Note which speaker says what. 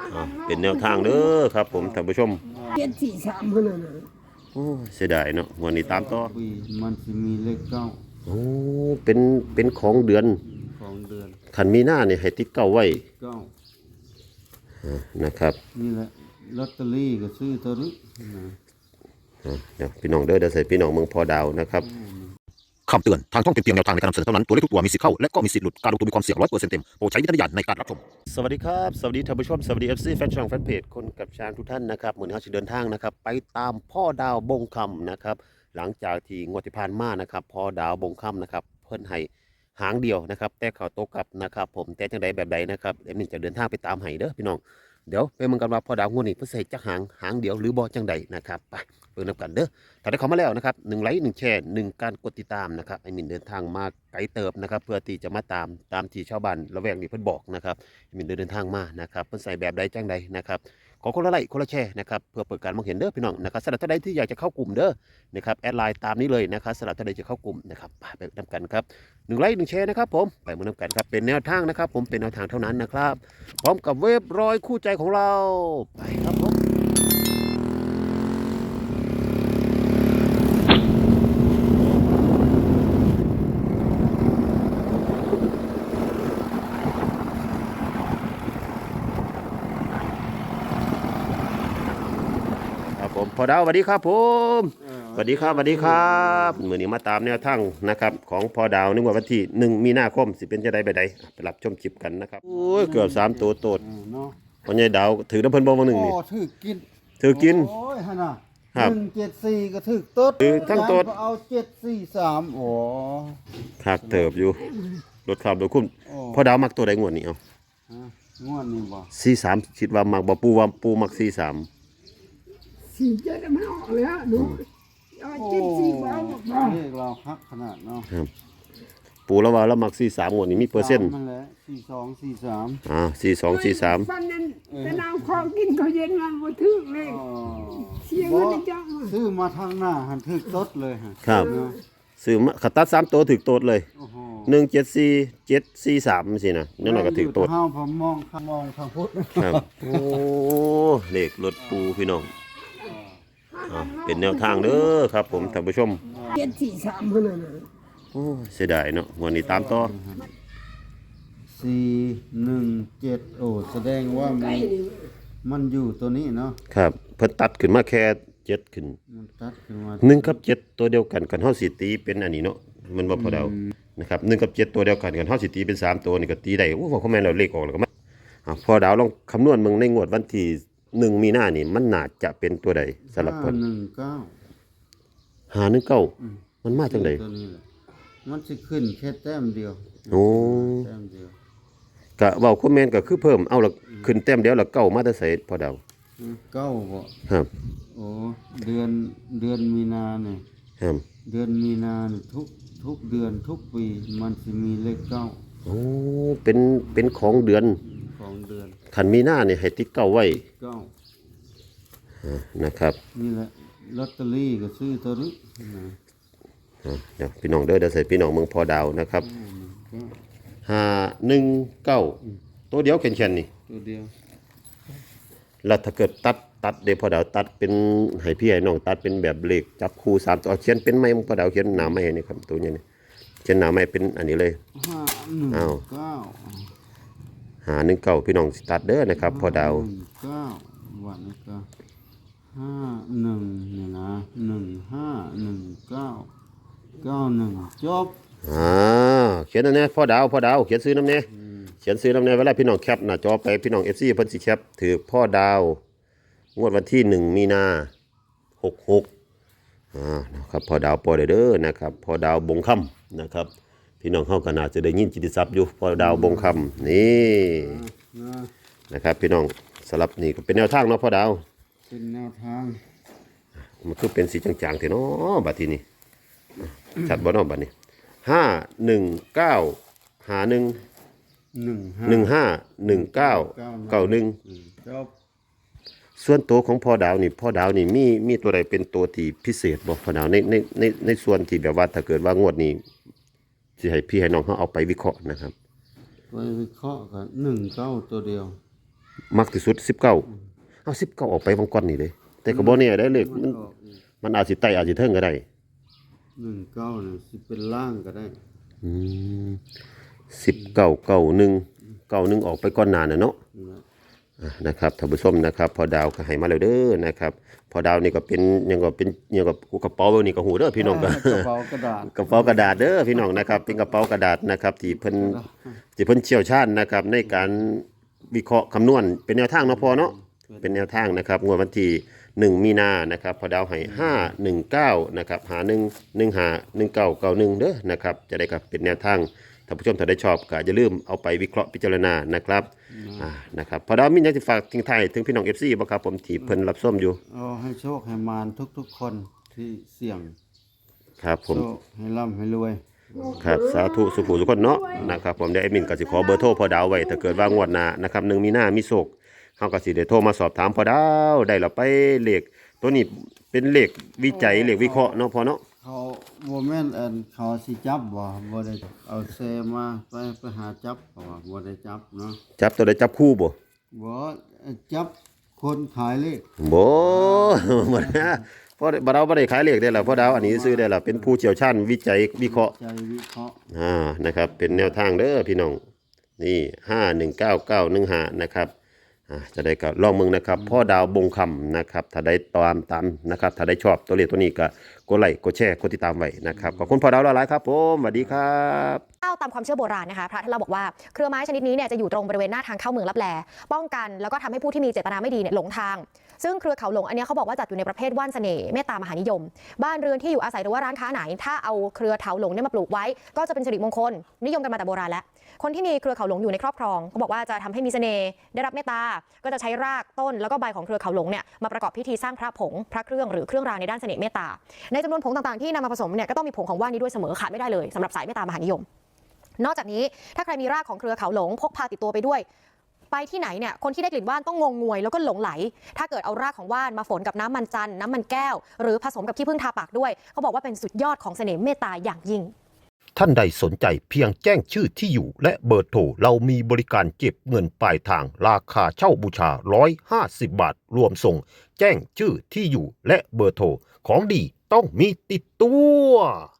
Speaker 1: เป็นแนวทางเด้อครับผมท่านผู้ชม
Speaker 2: 743เท่านั้นน่ะ
Speaker 1: โอ้เสียดายเนาะวันนี้ตามต่อ
Speaker 3: ปีมันจะมีเลขเก้า
Speaker 1: โอ้เป็นของเดือน
Speaker 3: ของเดือน
Speaker 1: ขันมีหน้าเนี่ยให้ติดเก้าไว้
Speaker 3: เก้า
Speaker 1: นะครับ
Speaker 3: นี่แหละลอตเตอรี่ก็ซื้อตัวนี้นะ
Speaker 1: เดี๋ยวพี่น้องเดี๋ยวใส่พี่น้องเมืองพอดาวนะครับคำเตือนทางช่องเป็นเพียงแนวทางในการนำเสนอเท่านั้นตัวเลขทุกตัวมีสิทธิ์เข้าและก็มีสิทธิ์หลุดการลงทุนมีความเสี่ยง100%เต็มโปรดใช้วิจารณญาณในการรับชมสวัสดีครับสวัสดีท่านผู้ชมสวัสดี FC แฟนช่องแฟนเพจคนกับช้างทุกท่านนะครับเหมือนเขาจะเดินทางนะครับไปตามพ่อดาวบงคำนะครับหลังจากที่งวดที่ผ่านมานะครับพ่อดาวบงคำนะครับเพิ่นให้หางเดียวนะครับแต่เขาโตกลับนะครับผมแต่จังใดแบบใดนะครับเอ็มนี่จะเดินทางไปตามให้เด้อพี่น้องเดี๋ยวไปเมืองกันว่าพ่อดาวงวดนี้เพิ่นใส่จักหางเดียวหรือบ่จังใดนะครับไปเบิ่งนำกันเด้อถ้าได้เข้ามาแล้วนะครับ1 ไลค์ 1 แชร์ 1 การกดติดตามนะครับไอ้มินเดินทางมาไกลเติบนะครับเพื่อที่จะมาตามที่ชาวบ้านละแวกนี้เพิ่นบอกนะครับไอ้มินเดินทางมานะครับเพิ่นใส่แบบใดจังใดนะครับขอคนละไลค์คนละแชร์นะครับเพื่อเปิดการมองเห็นเด้อพี่น้องนะครับสำหรับท่านใดที่อยากจะเข้ากลุ่มเด้อนะครับแอดไลน์ตามนี้เลยนะครับสำหรับท่านใดจะเข้ากลุ่มนะครับไปนำกันครับ1 ไลค์ 1 แชร์นะครับผมไปมานำกันครับเป็นแนวทางนะครับผมเป็นแนวทางเท่านั้นนะครับพร้อมกับเว็บร้อยคู่ใจของเราไปครับผมพอดาวสวัสดีครับผมสวัสดีครับมื้อนี้มาตามแนวทางนะครับของพอดาวนึกว่าวันที่1 มีนาคมสิเป็นจะได้ไปใดไปรับชมคลิปกันนะครับโอ้ยเกือบ3 ตัวโตดพ่อใหญ่ดาวถือน้ำเพิ่นบ่วันนึงนี่
Speaker 3: ถือกินโอ้ยฮะน่ะ174ก็ถือต๊ด
Speaker 1: ถือทั้งโตด
Speaker 3: เอา743โอ้
Speaker 1: คักเติบอยู่รถขับรถคุ้มพอดาวมักตัวใดงวดนี้เอา
Speaker 3: งวดนี้บ่
Speaker 1: 43คิดว่ามักบ่ปูมัก43
Speaker 2: 47มันออกแล้วดูเอา74บ่เอาบ่
Speaker 3: เลขเราคักขนาดเนาะ
Speaker 1: ครับปูแล้วว่าแล้วมัก43งวดนี้มีเปอร์เซ็นต์
Speaker 3: มันแหละ4243
Speaker 1: 4243
Speaker 2: ฟันนั้นแต่เอาของกินเขาเย็นมาบ่ถึกเลยเสียเงินจัง
Speaker 3: ซื้อมาทางหน้าหันถึกต๊ดเลยฮะ
Speaker 1: ครับซื้อมาขัดตัด3ตัวถึกโตดเลย174 743สินะนั่นน่ะก็ถึกโตด
Speaker 3: เฮาผมมองทางพุทธ
Speaker 1: ครับโอ้เลขรถปูพี่น้องเป็นแนวทางเด้อครับผมท่านผู้ชม
Speaker 2: 743เท่านั้นน่ะ
Speaker 1: โอ้เสียดายเนาะวันนี้ตามต่อ
Speaker 3: 417โอ้แสดงว่ามันอยู่ตัวนี้เนาะ
Speaker 1: ครับเพิ่นตัดขึ้นมาแค่7ขึ้น
Speaker 3: มันตัดขึ้นมา
Speaker 1: 1กับ7ตัวเดียวกันกันเฮาสิตีเป็นอันนี้เนาะมันบ่พอเดานะครับ1กับ7ตัวเดียวกันกันเฮาสิตีเป็น3ตัวนี่ก็ตีได้โอ้ว่าเขาแม่นแล้วเลขออกแล้วก็มาพอดาวลองคำนวณมึงในงวดวันที่1 มีนานี่มันน่าจะเป็นตัวใดสำหรับเพิ่น519มันมาจังได๋
Speaker 3: มันสิขึ้นแค่แต้มเดียว
Speaker 1: โอ้
Speaker 3: แต้มเดียว
Speaker 1: ก็เว้าคอมเมนต์ก็คือเพิ่มเอาละขึ้นแต้มเดียวแล้วเก้ามาแต่ไสพอดาว
Speaker 3: เก้าบ่
Speaker 1: ครับ
Speaker 3: โอ้เดือนมีนาเนี่ย
Speaker 1: ครับ
Speaker 3: เดือนมีนาเนี่ยทุกเดือนทุกปีมันสิมีเลขเก้า
Speaker 1: โอ้เป็นของเดือนขันมีหน้าเนี่ยให้ติ๊กเก้าไว้นะครับ
Speaker 3: นี่แหละลอตเตอรี่ก็ซื้อตัวนี้
Speaker 1: เดี๋ยวพี่น้องเดี๋ยวใส่พี่น้องเมืองพอดาวนะครับ519ตัวเดียวแข็งๆนี่
Speaker 3: ตัวเดียว
Speaker 1: แล้วถ้าเกิดตัดเดี๋ยวพอดาวตัดเป็นให้พี่ให้น้องตัดเป็นแบบเลขจับคู่3ตัวเขียนเป็นไม้พอดาวเขียนหนาไม้นี่ครับตัวนี้เขียนหนาไม้เป็นอันนี้เลย519พี่น้องตัดเด้อนะครับพอดาว
Speaker 3: 9วันนี้ก็51นี่นะ151991จบ
Speaker 1: เขียนอันนี้พอดาวเขียนซื้อน้ำเนี่ยเขียนซื้อน้ำเนี่ยเวลาพี่น้องแคปหน้าจอไปพี่น้อง FC เพิ่นสิแคปถือพ่อดาวงวดวันที่1 มีนา66นะครับพ่อดาวปอเด้อนะครับพ่อดาวบงคำนะครับพี่น้องเฮาก็น่าจะได้ยินจิตติศัพท์อยู่พ่อดาวบงคำนี่นะครับพี่น้องสลับนี่ก็เป็นแนวทางเนาะพ่อดาว
Speaker 3: เป็นแนวทาง
Speaker 1: มันคือเป็นสีจางๆเถอะเนาะบัดทีนี้ชัดบ่เนาะบัดนี้5191591 ส่วนตัวของพ่อดาวนี่มีตัวใดเป็นตัวที่พิเศษบ่พ่อดาวในส่วนที่แบบว่าถ้าเกิดว่างวดนี้สิให้พี่ให้น้องเขาเอาไปวิเคราะห์นะครับ
Speaker 3: ไปวิเคราะห์กัน19ตัวเดียว
Speaker 1: มักที่สุด19เอา19ออกไปบางก่อนนี่เด้แต่ก็บ่แน่ได้เลขมันอาจสิไต่อาจสิเทิงก็ได้
Speaker 3: 19นี่สิเป็นล่างก็ได้
Speaker 1: อืม1991ออกไปก่อนหน้าน่ะเนาะนะครับท่านผู้ชมนะครับพอดาวก็ให้มาแล้วเด้อนะครับพอดาวนี่ก็เป็นหยังก็กระเป๋านี่ก็หูเด้อพี่น้องก็
Speaker 3: กระเป๋ากระดาษ
Speaker 1: กระเป๋ากระดาษเด้อพี่น้องนะครับเป็นกระเป๋ากระดาษนะครับที่เพิ่นเชี่ยวชาญนะครับในการวิเคราะห์คำนวณเป็นแนวทางเนาะพอเนาะเป็นแนวทางนะครับงวดวันที่1มีนานะครับพอดาวให้519นะครับ51151991เด้อนะครับจะได้ครับเป็นแนวทางท่านผู้ชมถ้าได้ชอบก็อย่าลืมเอาไปวิเคราะห์พิจารณานะครับนะครับพอดาวมีหยังสิฝากทิ้งท้ายถึงพี่น้อง FC บ่ครับผมที่เพิ่นรับชมอยู่
Speaker 3: เอาให้โชคให้มารทุกๆคนที่เสี่ยง
Speaker 1: ครับผม
Speaker 3: โชคให้ร่ำให้รวย
Speaker 1: ครับสาธุสุขทุกคนเนาะนะครับผมได้แอดมินก็สิขอเบอร์โทรพอดาวไว้ถ้าเกิดว่างวดหน้านะครับ1มีนามีโชคเฮาก็สิได้โทรมาสอบถามพอดาวได้แล้วไปเลขตัวนี้เป็นเลขวิจัยเลขวิเคราะห์เนาะพอเนาะ
Speaker 3: เขาบ่แม่นเขาสิจับบ่ได้เอาเซมาไปหาจับเขาว่าบ่ได้จับเนาะ
Speaker 1: จับตัวใดจับคู่บ่
Speaker 3: บ่จับคนขายเลข
Speaker 1: บ่ บ่นะพอบ่ดาวบ่ได้ขายเลขได้ล่ะพอดาวอันนี้ซื้อได้ล่ะเป็นผู้เชี่ยวชาญวิจัยวิเคราะห์
Speaker 3: ใจวิเคราะห์
Speaker 1: นะครับเป็นแนวทางเด้อพี่น้องนี่519915นะครับจะได้ก็ลองมึงนะครับพ่อดาวบงคำนะครับถ้าได้ตามนะครับถ้าได้ชอบตัวเลขตัวนี้ก็กดไลค์กดแชร์กดติดตามไว้นะครับขอบคุณพ่อดาวหลายๆครับผมสวัสดีครับ
Speaker 4: ตามความเชื่อโบราณนะคะพระท่านเราบอกว่าเครือไม้ชนิดนี้เนี่ยจะอยู่ตรงบริเวณหน้าทางเข้าเมืองลับแลป้องกันแล้วก็ทำให้ผู้ที่มีเจตนาไม่ดีเนี่ยหลงทางซึ่งเครือเขาหลงอันนี้เขาบอกว่าจัดอยู่ในประเภทว่านเสน่ห์เมตตามหานิยมบ้านเรือนที่อยู่อาศัยหรือว่าร้านค้าไหนถ้าเอาเครือเถาหลงเนี่ยมาปลูกไว้ก็จะเป็นสิริมงคลนิยมกันมาแต่โบราณแล้วคนที่มีเครือเขาหลงอยู่ในครอบครองเขาบอกว่าจะทำให้มีเสน่ห์ได้รับเมตตาก็จะใช้รากต้นแล้วก็ใบของเครือเขาหลงเนี่ยมาประกอบพิธีสร้างพระผงพระเครื่องหรือเครื่องรางในด้านเสน่ห์เมตตาในจำนวนผงต่างๆที่นำมาผสมเนี่ยก็ต้องมีผงของว่านนี้ด้วยเสมอขาดไม่ได้เลยสำหรับสายเมตตามหานิยมนอกจากนี้ถ้าใครมีรากของเครือเขาหลงพกพาติดตัวไปด้วยไปที่ไหนเนี่ยคนที่ได้กลิ่นว่านต้องงงงวยแล้วก็หลงไหลถ้าเกิดเอารากของว่านมาฝนกับน้ำมันจันทร์น้ำมันแก้วหรือผสมกับขี้ผึ้งทาปากด้วยเขาบอกว่าเป็นสุดยอดของเสน่ห์เมตตาอย่างยิ่ง
Speaker 1: ท่านใดสนใจเพียงแจ้งชื่อที่อยู่และเบอร์โทรเรามีบริการเก็บเงินปลายทางราคาเช่าบูชา150 บาทรวมส่งแจ้งชื่อที่อยู่และเบอร์โทรของดีต้องมีติดตัว